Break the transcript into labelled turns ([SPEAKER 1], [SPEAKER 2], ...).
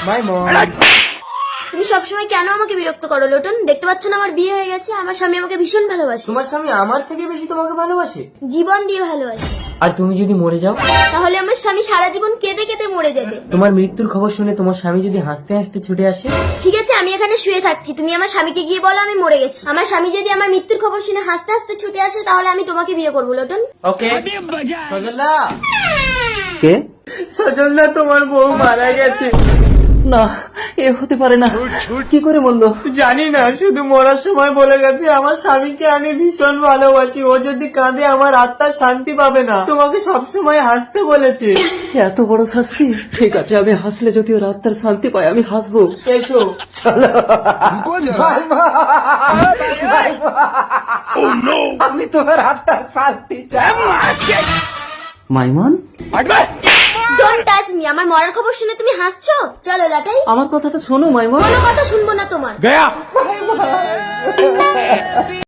[SPEAKER 1] মাইমন।
[SPEAKER 2] তুমি সবসময় কেন আমাকে বিরক্ত করো লোটন? দেখতে পাচ্ছ না আমার বিয়ে হয়ে গেছে, আমার স্বামী আমাকে ভীষণ ভালোবাসে।
[SPEAKER 1] তোমার স্বামী আমার থেকে বেশি তোমাকে ভালোবাসে?
[SPEAKER 2] জীবন দিয়ে ভালোবাসে।
[SPEAKER 1] আর তুমি যদি মরে যাও?
[SPEAKER 2] তাহলে আমার স্বামী সারা জীবন কেঁদে কেঁদে মরে যাবে।
[SPEAKER 1] তোমার মৃত্যুর খবর শুনে তোমার স্বামী যদি হাসতে হাসতে ছুটে আসে?
[SPEAKER 2] ঠিক আছে, আমি এখানে শুয়ে থাকছি, তুমি আমার স্বামীকে গিয়ে বলো আমি মরে গেছি। আমার স্বামী যদি আমার মৃত্যুর খবর শুনে হাসতে হাসতে ছুটে আসে তাহলে আমি তোমাকে বিয়ে করবো লোটন।
[SPEAKER 1] ওকে। সজলদা। কে? সজলদা, তোমার বউ মারা গেছে। না, এ হতে পারে না। কি করে বললো? জানি না, শুধু মরার সময় বলে গেছে আমার স্বামীকে আমি ভীষণ ভালোবাসি, ও যদি কাঁদে আমার আত্মা শান্তি পাবে না। তোমাকে সবসময় হাসতে বলেছে। এত বড় শাস্তি? ঠিক আছে, আমি হাসলে যদি ওর আত্মার শান্তি পায় আমি হাসবো। এসো চলো। আমি তোমার আত্মার শান্তি চাই। মাইমন,
[SPEAKER 2] ডোন্ট টাচ মি। আমার মরার খবর শুনে তুমি হাসছো? চলো লাটাই।
[SPEAKER 1] আমার কথাটা শোনো মাইমন।
[SPEAKER 2] কোনো কথা শুনবো না তোমার।